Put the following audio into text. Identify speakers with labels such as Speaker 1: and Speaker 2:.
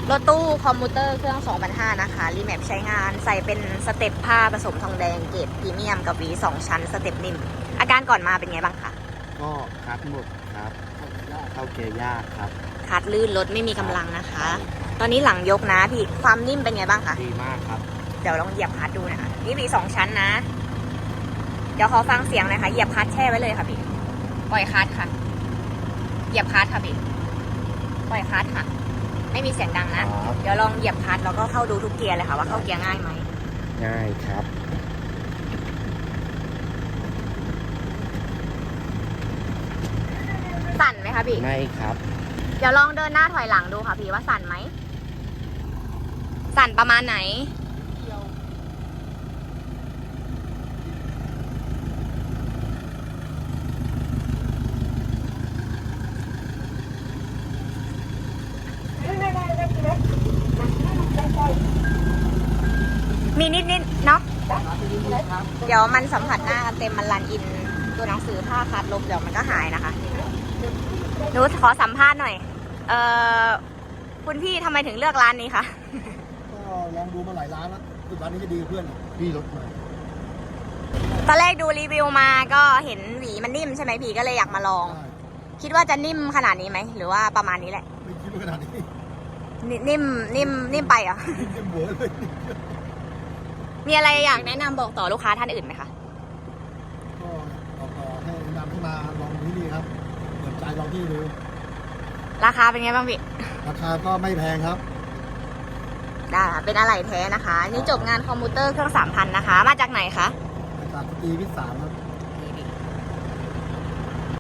Speaker 1: รถตู้คอมมูเตอร์เครื่อง 2,500 นะคะ รีแมปใช้งานใส่เป็นสเต็ปผ้าผสมทองแดงเกรดพรีเมียมกับหวี2 ชั้นสเต็ปนิ่มอาการก่อนมาเป็นไงบ้างคะ
Speaker 2: ก็คัดหมดครับเข้าเกียร์ยากครับ
Speaker 1: คัดลื่นรถไม่มีกำลังนะคะ ตอนนี้หลังยกนะพี่ความนิ่มเป็นไงบ้างคะ
Speaker 2: ดีมากครับ
Speaker 1: เดี๋ยวลองเหยียบคัดดูนะคะนี่หวี2 ชั้นนะ เดี๋ยวขอฟังเสียงหน่อยค่ะเหยียบคัดแช่ไว้เลยค่ะพี่ปล่อยคัดค่ะเหยียบคัดค่ะพี่ปล่อยคัดค่ะไม่มีเสียงดังนะ
Speaker 2: ครับ
Speaker 1: เดี๋ยวลองเหยียบคัดแล้วก็เข้าดูทุกเกียร์เลยค่ะว่าเข้าเกียร์ง่ายไหม
Speaker 2: ง่ายครับ
Speaker 1: สั่นไหมคะพี่
Speaker 2: ไม่ครับ
Speaker 1: เดี๋ยวลองเดินหน้าถอยหลังดูค่ะพี่ว่าสั่นไหมสั่นประมาณไหนมีนิดๆเนาะเดี๋ยวมันสัมผัสหน้ากันเต็มมันรันอินตัวหนังสือถ้าคัดลบเดี๋ยวมันก็หายนะคะหนูขอสัมภาษณ์หน่อยคุณพี่ทำไมถึงเลือกร้านนี้คะ
Speaker 3: ก็ลองดูมาหลายร้านแล้วคือร้านนี้จะดีกว่าเพื่อนพี่รถมา
Speaker 1: ตอนแรกดูรีวิวมาก็เห็นหวีมันนิ่มใช่ไหมพี่ก็เลยอยากมาลอง
Speaker 3: ใช่
Speaker 1: คิดว่าจะนิ่มขนาดนี้ไหมหรือว่าประมาณนี้แหละ
Speaker 3: ไม่คิดว่าขนาดนี้
Speaker 1: นิ่มไปเหรอ่ะ
Speaker 3: เต็มหัวเลย
Speaker 1: มีอะไรอยากแนะนำบอกต่อลูกค้าท่านอื่นไหมคะ
Speaker 3: ก็บอกต่อให้นำให้มาลองที่นี่ครับเปิดใจลองที่ดู
Speaker 1: ราคาเป็นไงบ้างพี่
Speaker 3: ราคาก็ไม่แพงครับ
Speaker 1: ได้ค่ะเป็นอะไหล่แท้นะคะ นี่จบงานคอมพิวเตอร์เครื่อง 3,000 นะคะ มาจากไหนคะ
Speaker 3: จากสตรีวิทย์3ครับ